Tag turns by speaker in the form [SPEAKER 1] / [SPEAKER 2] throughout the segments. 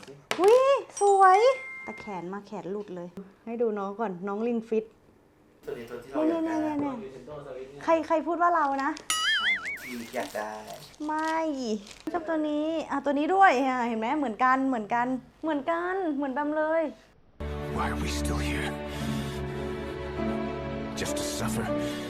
[SPEAKER 1] สิ
[SPEAKER 2] อุ้ยสวยแต่แขนมาแขนหลุดเลยให้ดูน้องก่อนน้องลิงฟิต
[SPEAKER 1] ตัวนี้ตัวที่เราอยากได้
[SPEAKER 2] ใครพูดว่าเรานะ
[SPEAKER 1] พี่อยากได้
[SPEAKER 2] ไม่ชอบตัวนี้ตัวนี้ด้วยเห็นไหมเหมือนกันเหมือนแบมเลย
[SPEAKER 3] Why are we still here? Just to suffer.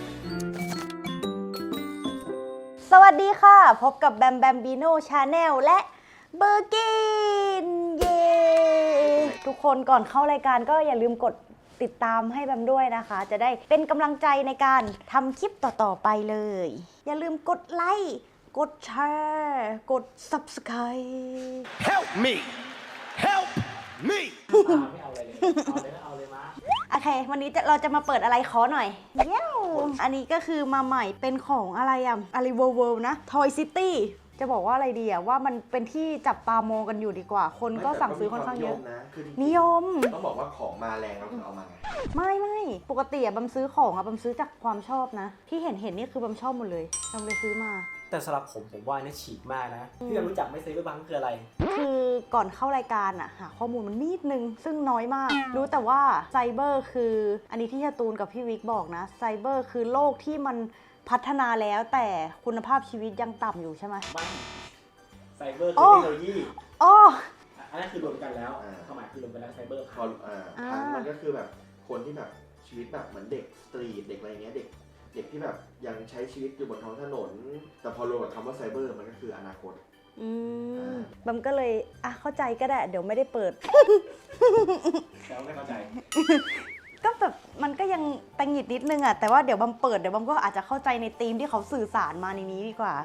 [SPEAKER 2] สวัสดีค่ะพบกับแบมแบมบีโน่ชาแนลและเบอร์กินเย้ทุกคนก่อนเข้ารายการก็อย่าลืมกดติดตามให้แบมด้วยนะคะจะได้เป็นกำลังใจในการทำคลิปต่อๆไปเลยอย่าลืมกดไลค์กดแชร์กด Subscribe
[SPEAKER 3] Help me! Help me!
[SPEAKER 4] ไม่เอาอะไรเลยเอาเลยมา
[SPEAKER 2] โอเควันนี้เราจะมาเปิดอะไรขอหน่อยเย้อันนี้ก็คือมาใหม่เป็นของอะไรอะไรเวิลด์นะ Toy City จะบอกว่าอะไรดีว่ามันเป็นที่จับตามองกันอยู่ดีกว่าคนก็สั่งซื้อค่อนข้างเยอะนิยม
[SPEAKER 1] ต้องบอกว่าของมาแรงเราถึงเอามา
[SPEAKER 2] ไม่ปกติบัมซื้อของบัมซื้อจากความชอบนะที่เห็นนี่คือบัมชอบหมดเลยบัมเลยซื้อมา
[SPEAKER 4] แต่สำหรับผมว่านี่ฉีกมากนะที่เรารู้จักไม่ซื้อไปบังคืออะไร
[SPEAKER 2] คือก่อนเข้ารายการหาข้อมูลมันนิดนึงซึ่งน้อยมากรู้แต่ว่าไซเบอร์คืออันนี้ที่ชาตูนกับพี่วิกบอกนะไซเบอร์คือโลกที่มันพัฒนาแล้วแต่คุณภาพชีวิตยังต่ำอยู่ใช่ไหม
[SPEAKER 4] ไม่ไซเบอร์คือเทคโนโลยีอันนั้นคือรวมกันแล้วความหมายคือรวมกันแล้วไซเบอร์พั
[SPEAKER 1] นมันก็คือแบบคนที่แบบชีวิตแบบเหมือนเด็กสตรีทเด็กอะไรเงี้ยเด็กที่แบบยังใช้ชีวิตอยู่บนท้องถนนแต่พอรวมกับคำว่าไซเบอร์มันก็คืออนาคต
[SPEAKER 2] บัมก็เลยเข้าใจก็ได้เดี๋ยวไม่ได้เปิด
[SPEAKER 4] แล้วไม่เข้าใจ
[SPEAKER 2] ก็แบบมันก็ยังตังหงิดนิดนึงแต่ว่าเดี๋ยวบัมเปิดเดี๋ยวบัมก็อาจจะเข้าใจในธีมที่เขาสื่อสารมาในนี้ดีกว่า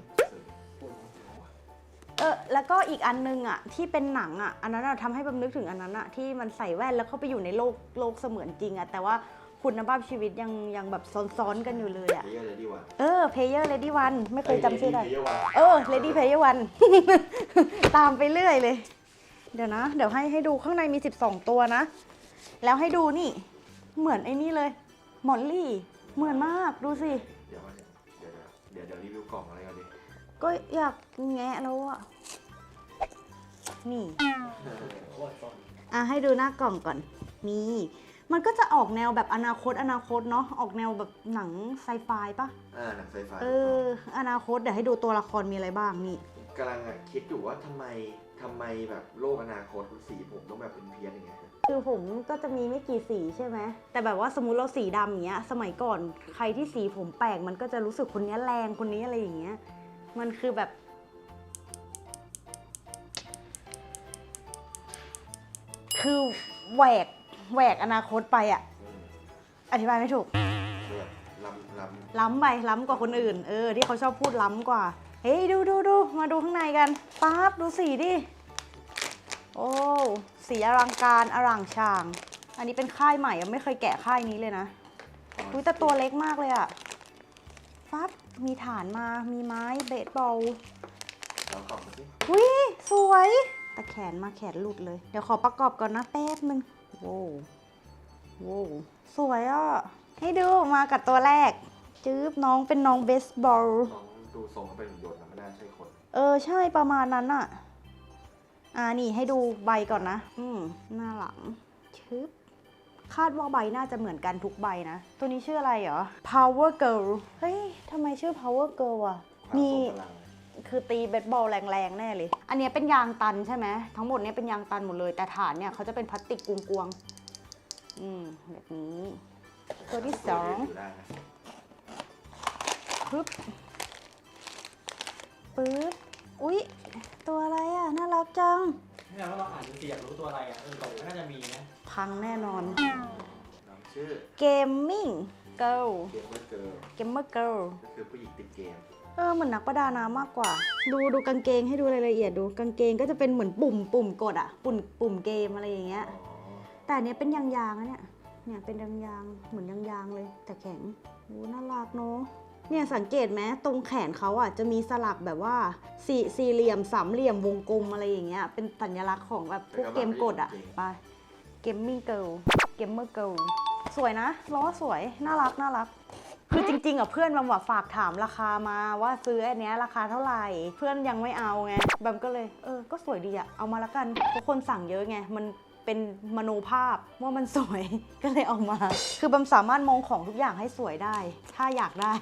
[SPEAKER 2] แล้วก็อีกอันนึงที่เป็นหนังอันนั้นทำให้บัมนึกถึงอันนั้นที่มันใส่แว่นแล้วเข้าไปอยู่ในโลกเสมือนจริงแต่ว่าคุณภาพชีวิตยังแบบซ้อนๆกันอยู่เลยPlayer Ready One ไม่เคยจำชื่อได้Ready Player One ตามไปเรื่อยเลยเดี๋ยวให้ดูข้างในมี12ตัวนะแล้วให้ดูนี่เหมือนไอ้นี่เลยมอลลี่เหมือนมากดูสิ
[SPEAKER 1] เดี๋ยวรีวิวกล่องอะไรกันดิ
[SPEAKER 2] ก็อยากแงะแล้วนี่ให้ดูหน้ากล่องก่อนนี่มันก็จะออกแนวแบบอนาคตเนาะออกแนวแบบหนังไซไฟป่ะ
[SPEAKER 1] หนังไซไฟ
[SPEAKER 2] อนาคตเดี๋ยวให้ดูตัวละครมีอะไรบ้างนี่
[SPEAKER 1] กำลังคิดอยู่ว่าทำไมแบบโลกอนาคตสีผมต้องแบบเป็นเพี้ยนอย่างเงี้ย
[SPEAKER 2] คือผมก็จะมีไม่กี่สีใช่ไหมแต่แบบว่าสมมุติเราสีดำอย่างเงี้ยสมัยก่อนใครที่สีผมแปลกมันก็จะรู้สึกคนนี้แรงคนนี้อะไรอย่างเงี้ยมันคือแบบคือแหวกอนาคตไปอธิบายไม่ถูกล้ำไปล้ำกว่าคนอื่นที่เขาชอบพูดล้ำกว่าเฮ้ยดูมาดูข้างในกันปั๊บดูสีดิโอ้สีอลังการอร่างชางอันนี้เป็นค่ายใหม่ไม่เคยแกะค่ายนี้เลยนะแต่ตัวเล็กมากเลยปั๊บมีฐานมามีไม้เบสบอล
[SPEAKER 1] เรากล่องมาสิ
[SPEAKER 2] สวยแต่แขนมาแขนหลุดเลยเดี๋ยวขอประกอบก่อนนะแป๊บนึงโว้สวยให้ดูมากับตัวแรกจื๊บน้องเป็นน้องเบสบอล
[SPEAKER 1] น้องดูทรงเป็นหุ่นยนต์นะไม่น่าใช่คน
[SPEAKER 2] ใช่ประมาณนั้นนี่ให้ดูใบก่อนนะหน้าหลังชึบคาดว่าใบน่าจะเหมือนกันทุกใบนะตัวนี้ชื่ออะไรเหรอ Power Girl เฮ้ยทำไมชื่อ Power Girl มีคือตีเบสบอลแรงๆแน่เลยอันนี้เป็นยางตันใช่ไหมทั้งหมดนี้เป็นยางตันหมดเลยแต่ฐานเนี่ยเขาจะเป็นพลาสติกกวงๆแบบนี้ตัวที่2ปึ๊บอุ๊ยตัวอะไรน่ารักจัง
[SPEAKER 4] นี่เราอ่านดูสิอยากรู้ตัวอะไรแต่น่าจะมีนะ
[SPEAKER 2] พังแน่นอน
[SPEAKER 1] ชื่อ
[SPEAKER 2] Gaming Girl
[SPEAKER 1] Gamer Girl ก็คือผู้หญิงติดเกม
[SPEAKER 2] เหมือนนักประดาน้ำมากกว่าดูกางเกงให้ดูรายละเอียดดูกางเกงก็จะเป็นเหมือนปุ่มกดปุ่มเกมอะไรอย่างเงี้ยแต่อันนี้เป็นยางเนี่ยเป็นยางเหมือนยางเลยแต่แข็งน่ารักเนาะเนี่ยสังเกตไหมตรงแขนเขาจะมีสลักแบบว่าสี่เหลี่ยมสามเหลี่ยมวงกลมอะไรอย่างเงี้ยเป็นสัญลักษณ์ของแบบพวกเกมกดไป Gaming Girl Gamer Girl สวยนะล้อสวยน่ารักคือจริงๆอ่ะเพื่อนมันฝากถามราคามาว่าซื้ออันเนี้ยราคาเท่าไหร่เพื่อนยังไม่เอาไงแบมก็เลยก็สวยดีอะเอามาละกันเพราะคนสั่งเยอะไงมันเป็นมโนภาพว่ามันสวย ก็เลยเอามา คือแบมสามารถมองของทุกอย่างให้สวยได้ ถ้าอยากได้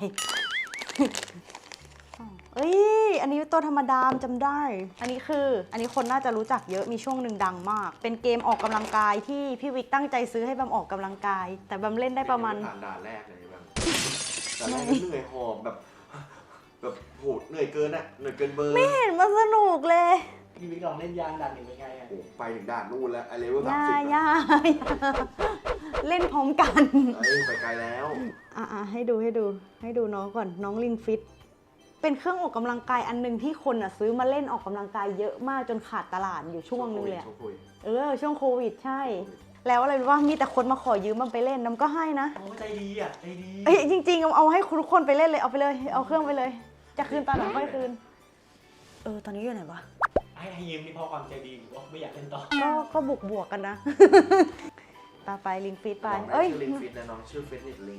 [SPEAKER 2] เอ้ยอันนี้ตัวธรรมดาจำได้ อันนี้คนน่าจะรู้จักเยอะมีช่วงหนึ่งดังมากเป็นเกมออกกำลังกายที่พี่วิกตั้งใจซื้อให้แบมออกกำลังกาย แต่แบมเล่นได้ประมาณ
[SPEAKER 1] ผ่านด่านแรกเลยแบบด่านแรกเหนื่อยหอบแบบโหเหนื่อยเกินอะเหนื่อยเกินเบอร์
[SPEAKER 2] ไม่เห็นมันสนุกเลย
[SPEAKER 4] พี่วิกลองเล่นยางดันหนึ่งเป็นไงอ่ะ
[SPEAKER 1] โอ้ไปถึงด่านนู่นแล้วไอเลเวล
[SPEAKER 2] ย่า เล่นพร้อมกัน
[SPEAKER 1] ไปไกลแล้ว
[SPEAKER 2] ให้ดูน้องก่อนน้องลิงฟิตเป็นเครื่องออกกำลังกายอันนึงที่คนซื้อมาเล่นออกกำลังกายเยอะมากจนขาดตลาดอยู่ช่วงนึงเลยช่วงโควิดใช่แล้วอะไรรู้ว่ามีแต่คนมาขอยืมมันไปเล่นน้ำก็ให้นะ
[SPEAKER 4] ใจดีอ่ะใจดี
[SPEAKER 2] จริงๆเอาให้ทุกคนไปเล่นเลยเอาไปเลยเอาเครื่องไปเลยจะคืนตอนไหนค่อยคืนตอนนี้อยู่ไหนวะ
[SPEAKER 4] ให้ยืมนี่เพราะความใจดีหรือว่าไม่อยากเล่นต่อ
[SPEAKER 2] ก็บวกกันนะต่อไปลิงฟิตไป
[SPEAKER 1] ชื่อลิงฟิตนะน้องชื่อฟิตเนสลิง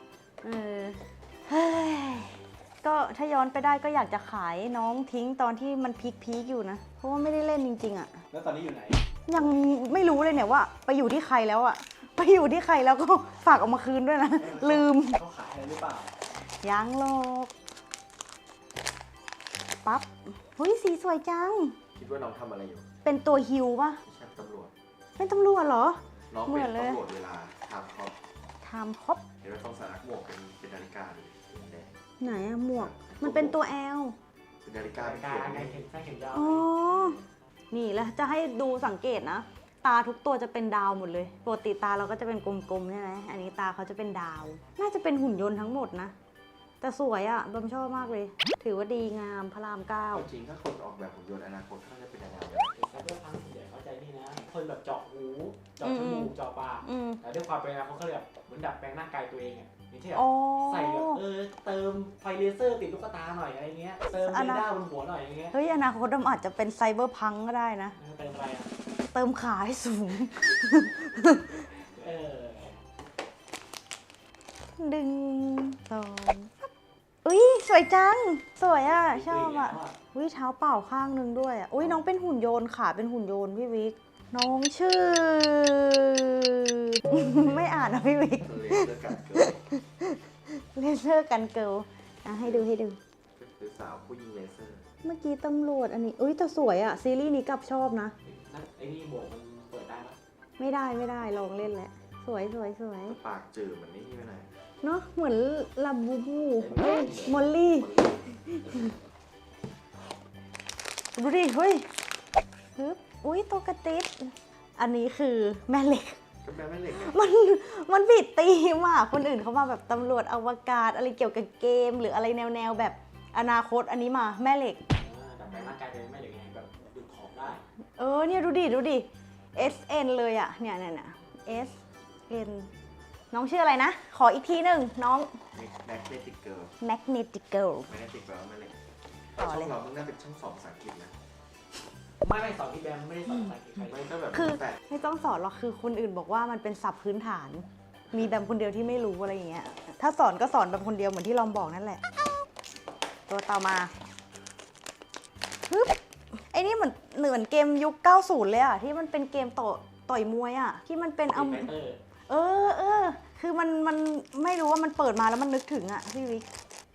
[SPEAKER 2] ก็ถ้าย้อนไปได้ก็อยากจะขายน้องทิ้งตอนที่มันพีคอยู่นะเพราะว่าไม่ได้เล่นจริงๆอ่ะ
[SPEAKER 4] แล้วตอนนี้อยู่ไหน
[SPEAKER 2] ยังไม่รู้เลยเนี่ยว่าไปอยู่ที่ใครแล้วอ่ะไปอยู่ที่ใครแล้วก็ฝากเอามาคืนด้วยนะลืม
[SPEAKER 4] เขาขายอะไรหรือเปล่า
[SPEAKER 2] ยังโลกปั๊บเฮ้ยสีสวยจัง
[SPEAKER 1] คิดว่าน้องทำอะไรอยู่
[SPEAKER 2] เป็นตัวฮิวป่ะ
[SPEAKER 1] ใช่ตำรวจ
[SPEAKER 2] เป็นตำรวจเหรอ
[SPEAKER 1] น้องเป็นตำรวจเวลาทำค
[SPEAKER 2] รบ
[SPEAKER 1] เห็นว่าต้องใส่หมวกเป็นนาฬิกาเลย
[SPEAKER 2] ไหนอะหมวกมันเป็นตัว L
[SPEAKER 1] เป็นนาฬิกา
[SPEAKER 4] ไงเข็มยาว
[SPEAKER 2] อ๋อนี่แล้วจะให้ดูสังเกตนะตาทุกตัวจะเป็นดาวหมดเลยปกติตาเราก็จะเป็นกลมๆใช่ไหมอันนี้ตาเขาจะเป็นดาวน่าจะเป็นหุ่นยนต์ทั้งหมดนะแต่สวยอ่ะบัมชอบมากเลยถือว่าดีงามพระราม9
[SPEAKER 1] จริงถ้าคนออกแบบหุ่นยนต์อนาคตเขาจะเป็นยังไง
[SPEAKER 4] แต่เพื่อพังส่วนใหญ่เข้าใจนี่นะคนแบบเจาะหูเจาะจมูกเจาะปากแต่ด้วยความเป็นนะเขาแบบเหมือนดัดแปลงร่างกายตัวเองอ่ะอย่างเช่นใส่แบบเติมไฟเลเซอร์ติดลูกตาหน่อยอะไรเงี้ยเติมเรดาร์บนหัวหน่อยอย่างเงี้ย
[SPEAKER 2] เฮ้ยอนาคตมันอาจจะเป็นไซเบอร์พังก็ได้นะ
[SPEAKER 4] เติมอะไรอ่ะ
[SPEAKER 2] เติมขาให้สูงดึงตองอุ้ยสวยจังสวยอ่ะชอบอ่ะอุ้ยเท้าเปล่าข้างนึงด้วยอ่ะอุ้ยน้องเป็นหุ่นยนต์ขาเป็นหุ่นยนต์พี่วิกน้องชื่อไม่อ่านนะพี่วิกเลเซอร์กันเกิลให้ดู
[SPEAKER 1] คือสาวผู้หญิงเลเซอร์
[SPEAKER 2] เมื่อกี้ตำรวจอันนี้อุ้ยแต่สวยอ่ะซีรีส์นี้กับชอบนะ
[SPEAKER 4] ไอ้นี่บวกมันเปิดได้ไหม
[SPEAKER 2] ไม่ได้ลองเล่นแล้วสวย
[SPEAKER 1] ปากจืดเหมือนนี่ไม่ไหน
[SPEAKER 2] เนาะเหมือนลาบูบูมอลลี่ดูดิเฮ้ยอุ้ยตัวกระติดอันนี้คือแม่เหล็กมันบิดตีมากคนอื่นเขามาแบบตำรวจอวกาศอะไรเกี่ยวกับเกมหรืออะไรแนวแบบอนาคตอันนี้มาแม่เหล็ก
[SPEAKER 4] แต่แปลงร่างกายเป็นแม่เหล็กไงแบบดึงของได้
[SPEAKER 2] เนี่ยดูดิ SN เลยอ่ะเนี่ย SN น้องชื่ออะไรนะขออีกทีหนึ่งน้อง
[SPEAKER 1] Magnetic Girl
[SPEAKER 2] แมกเนติกเกิล
[SPEAKER 1] แม่เหล็กช่องเราต้องน่าเป็นช่อง2ภาษาอังกฤษนะ
[SPEAKER 4] ไม่สอนที่แบมไม่ได้สอนภาษาอังกฤษใคร
[SPEAKER 1] ไม่ก็แบบ
[SPEAKER 2] คือไม่ต้องสอนหรอกคือคนอื่นบอกว่ามันเป็นศัพท์พื้นฐานมีแบมคนเดียวที่ไม่รู้อะไรอย่างเงี้ยถ้าสอนก็สอนแบบคนเดียวเหมือนที่ลอมบอกนั่นแหละตัวต่อมาไอ้นี่เหมือนเกมยุค90เลยอ่ะที่มันเป็นเกมต่อยมวยอ่ะที่มันเป็นคือมันไม่รู้ว่ามันเปิดมาแล้วมันนึกถึงอ่ะพี่วิก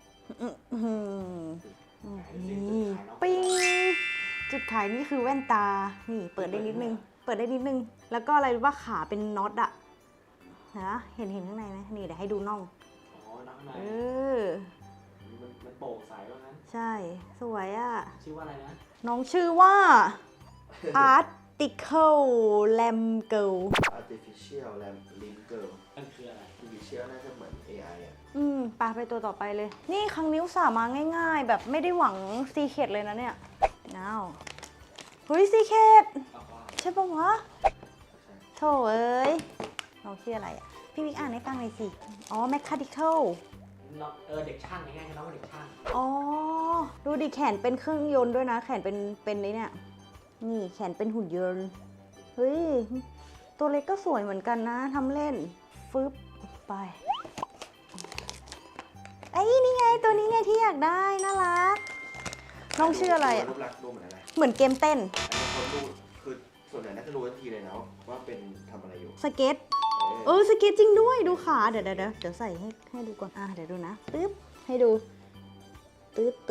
[SPEAKER 2] นี่ปิ้งจุดขายนี่คือแว่นตานี่เปิดได้นิดนึงแล้วก็อะไรรู้ว่าขาเป็นน็อตอะนะเห็นข้างในไหมนี่เดี๋ยวให้ดูน่อง
[SPEAKER 4] ข้างในมันโปร่งใสว่างั้น
[SPEAKER 2] ใช่สวยอะ
[SPEAKER 4] ชื่อว่าอะไรนะ
[SPEAKER 2] น้องชื่อว่า Artificial Lamb Girl
[SPEAKER 1] Artificial Lamb Girl
[SPEAKER 4] มันคืออะไร
[SPEAKER 1] Artificial น่าจะเหมือน AI อ่ะ
[SPEAKER 2] ไปตัวต่อไปเลยนี่ครั้งนิ้วสามาง่ายๆแบบไม่ได้หวังซีเคทเลยนะเนี่ยเฮ้ยซีเคทใช่ปะวะโถเอ้ยน้องชื่ออะไรอ่ะพี่วิกอ่านให้ฟังหน่อยสิMechanical
[SPEAKER 4] เด็กช่างง่ายๆน้องเด็กช่าง
[SPEAKER 2] ดูดิแขนเป็นเครื่องยนต์ด้วยนะแขนเป็นเนี่ยนี่แขนเป็นหุ่นยนต์เฮ้ยตัวเล็กก็สวยเหมือนกันนะทำเล่นฟึบไปอ้นี่ไงตัวนี้ไงที่อยากได้น่ารักน้องชื่ออะไรอ่ะ
[SPEAKER 1] รูปลักษณ์ดูเหมือนอะไร
[SPEAKER 2] เหมือนเกมเต้น
[SPEAKER 1] อันนี้คนดูคือส่วนใหญ่น่าจะรู้ทันทีเลยนะว่าเป็นทำอะไรอยู่
[SPEAKER 2] สเก็ตสเก็ตจริงด้วยดูขาเดี๋ยวใส่ให้ดูก่อนเดี๋ยวดูนะตึ๊บให้ดูตื้อ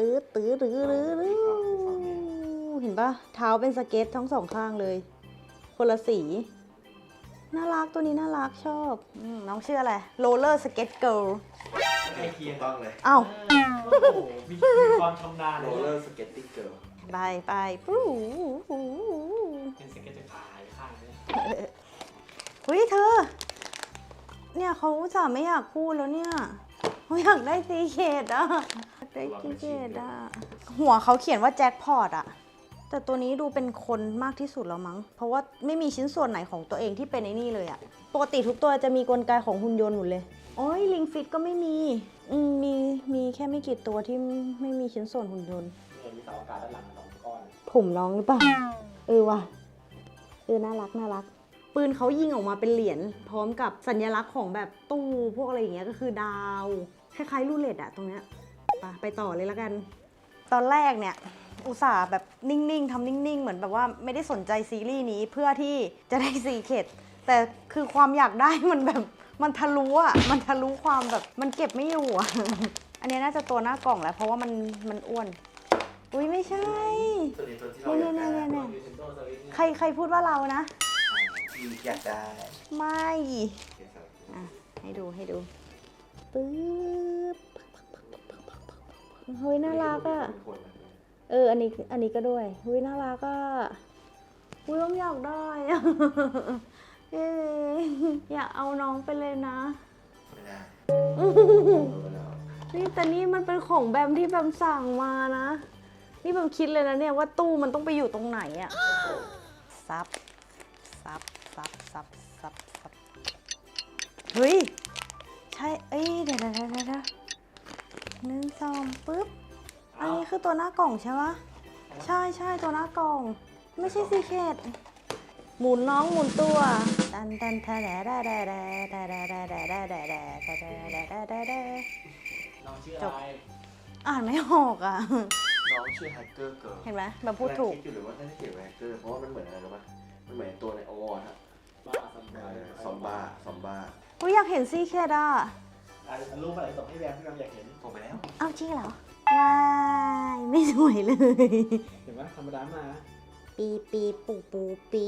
[SPEAKER 2] เห็นปะเท้าเป็นสเก็ตทั้งสองข้างเลยคนละสีน่ารักตัวนี้น่ารักชอบน้องชื่ออะไรโรลเลอร์สเก็ตเกิร์ล
[SPEAKER 4] ใกล้เคียง
[SPEAKER 1] ต้องเลย
[SPEAKER 2] อ้าว
[SPEAKER 4] โอ้โหมีความชำนาญ
[SPEAKER 1] โร
[SPEAKER 4] เลย
[SPEAKER 1] ลเลอร์สเก็ตติ้งเกิร์ล
[SPEAKER 2] ไปปู๊
[SPEAKER 4] เป็นสเก็ตจะขายข้างเลย
[SPEAKER 2] เฮ้ยเธอเนี่ยเขาอุตส่าห์ไม่อยากพูดแล้วเนี่ยเขาอยากได้ซีเคดอ่ะได้ซีเคดอ่ะหัวเขาเขียนว่าแจ็คพอตอ่ะแต่ตัวนี้ดูเป็นคนมากที่สุดแล้วมั้งเพราะว่าไม่มีชิ้นส่วนไหนของตัวเองที่เป็นไอ้นี่เลยอ่ะปกติทุกตัวจะมีกลไกของหุ่นยนต์หมดเลยโอ้ยลิงฟิตก็ไม่มีมีแค่ไม่กี่ตัวที่ไม่มีชิ้นส่วนหุ่นยนต์
[SPEAKER 4] เนี่ยมีเสาอากาศด้านหลัง2 ก้อน
[SPEAKER 2] ผมน้องหรือเปล่าว่ะน่ารักปืนเขายิงออกมาเป็นเหรียญพร้อมกับสัญลักษณ์ของแบบตู้พวกอะไรอย่างเงี้ยก็คือดาวคล้ายๆรูเล็ตอะตรงเนี้ยไปต่อเลยแล้วกัน ตอนแรกเนี่ยอุตส่าห์แบบนิ่งๆทำนิ่งๆเหมือนแบบว่าไม่ได้สนใจซีรีส์นี้เพื่อที่จะได้ซีเคดแต่คือความอยากได้มันแบบมันทะลุอะมันทะลุความแบบมันเก็บไม่อยู่อะ อันนี้น่าจะตัวหน้ากล่องแหละเพราะว่ามันอ้วนอุ้ยไม่ใช่
[SPEAKER 1] ตัวนี้ตัวที่เราอยากได้
[SPEAKER 2] เนี่ย
[SPEAKER 4] Nintendo Switch เนี่ย
[SPEAKER 2] ใครพูดว่าเรานะ
[SPEAKER 1] ที่อยากได้
[SPEAKER 2] ไม่ให้ดูปึ๊บเฮ้ยน่ารักอ่ะอันนี้ก็ด้วยเฮ้ยน่ารักอ่ะอุ้ยต้องอยากได้อ่ะอยากเอาน้องไปเลยนะ
[SPEAKER 1] ไม่ได้
[SPEAKER 2] นี่แต่นี่มันเป็นของแบมที่แบมสั่งมานะนี่แบมคิดเลยนะเนี่ยว่าตู้มันต้องไปอยู่ตรงไหนอ่ะซับเฮ้ยใช่เดี๋ยว1 2ปึ๊บอันนี้คือตัวหน้ากล่องใช่ปะใช่ตัวหน้ากล่องไม่ใช่ซีเคดหมุนน้องหมุนตัวตันแท้
[SPEAKER 4] น้องชื่ออะไร
[SPEAKER 2] อ่านไม่ออกอ่ะ
[SPEAKER 1] น้องชื่อแฮกเกอร์เกิร์ล
[SPEAKER 2] เห็นไหมแบบพูดถูก
[SPEAKER 1] คิดอยู่หรือว่าน่าจะเขียนว่าแฮกเกอร์เพราะว่ามันเหมือนอะไรรู้ป่ะมันเหมือนตัวในโอวอร์ฮะ
[SPEAKER 4] บ้าสัมภาระ
[SPEAKER 1] ซอมบ้า
[SPEAKER 2] อุ้ยอยากเห็นซีเคดอ่ะ
[SPEAKER 4] รูปอะไรส่งให้แบมที่แบมอยากเห็น
[SPEAKER 1] ส่งไปแล้ว
[SPEAKER 2] เอาจริงเหรอว้ายไม่สวยเลย
[SPEAKER 4] เห็นไหมธรรมดามา
[SPEAKER 2] ปีปูปี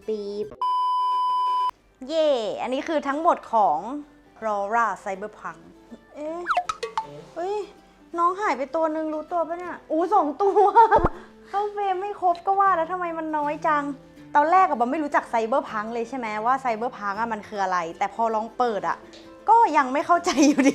[SPEAKER 2] เย่อันนี้คือทั้งหมดของ Rora Cyberpunk เฮ้ยน้องหายไปตัวนึงรู้ตัวปะเนี่ย2 ตัว เข้าเฟรมไม่ครบก็ว่าแล้วทำไมมันน้อยจัง ตอนแรกอะบอมไม่รู้จักไซเบอร์พังเลยใช่ไหมว่าไซเบอร์พังอะมันคืออะไร แต่พอลองเปิดอะก็ยังไม่เข้าใจอยู่ดี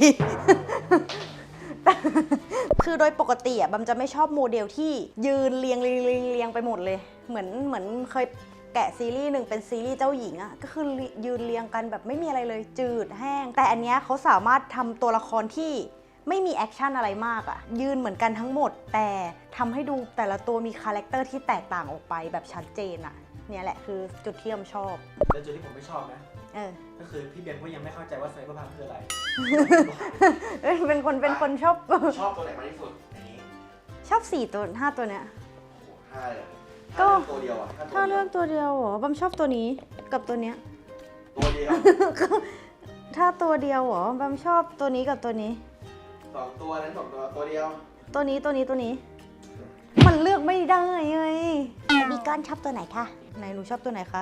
[SPEAKER 2] คือโดยปกติอะบัมจะไม่ชอบโมเดลที่ยืนเรียงไปหมดเลย เหมือนเคยแกะซีรีส์หนึ่งเป็นซีรีส์เจ้าหญิงอะก็คือยืนเรียงกันแบบไม่มีอะไรเลยจืดแห้งแต่อันเนี้ยเขาสามารถทำตัวละครที่ไม่มีแอคชั่นอะไรมากอะยืนเหมือนกันทั้งหมดแต่ทำให้ดูแต่ละตัวมีคาแรคเตอร์ที่แตกต่างออกไปแบบชัดเจนอะเนี่ยแหละคือจุดที่บัมชอบ
[SPEAKER 4] แต่จุดที่ผมไม่ชอบนะ ก็คือพี่เบนก็ยังไม่เข้าใจว่าไซเบอร์พังคืออะไร
[SPEAKER 2] เป็นคนชอบ
[SPEAKER 1] ชอบตัวไหนมากที่สุดอันนี้
[SPEAKER 2] ชอบ4 ตัว 5 ตัวเนี้ย
[SPEAKER 1] 5เลย
[SPEAKER 2] ก็
[SPEAKER 1] ตัวเดียวอ่ะ
[SPEAKER 2] ถ้าเลือกตัวเดียวเหรอบัมชอบตัวนี้กับตัวเนี้ย
[SPEAKER 1] ตัวเดียว
[SPEAKER 2] ถ้าตัวเดียวเหรอบัมชอบตัวนี้กับตัวนี้
[SPEAKER 1] 2 ตัวนั้น2 ตัวเดียว
[SPEAKER 2] ตัวนี้มันเลือกไม่ได้ไงบีก้อนชอบตัวไหนคะไหนหนูชอบตัวไหนคะ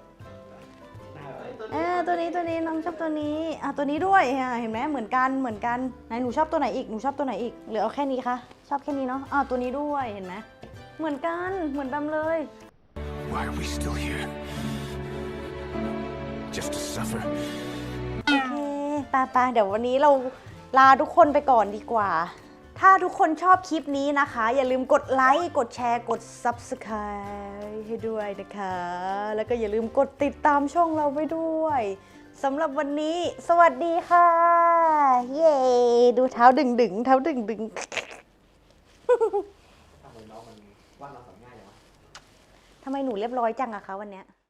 [SPEAKER 2] ตัวนี้น้องชอบตัวนี้ตัวนี้ด้วยเห็นไหมเหมือนกันไหนหนูชอบตัวไหนอีกหหรือเอาแค่นี้คะชอบแค่นี้เนาะตัวนี้ด้วยเห็นไหมเหมือนกันเหมือนบัมเลย
[SPEAKER 3] Why are we still here? Just to suffer?
[SPEAKER 2] โอเคไปเดี๋ยววันนี้เราลาทุกคนไปก่อนดีกว่า ถ้าทุกคนชอบคลิปนี้นะคะ อย่าลืมกดไลค์ กดแชร์ กด Subscribe ให้ด้วยนะคะ แล้วก็อย่าลืมกดติดตามช่องเราไปด้วยสำหรับวันนี้ สวัสดีค่ะ เย้ ดูเท้าดึง
[SPEAKER 4] ทำไมน้องมันว่างเราสอนง่ายอย่างวะ
[SPEAKER 2] ทำไมหนูเรียบร้อยจังอะคะวันเนี้ย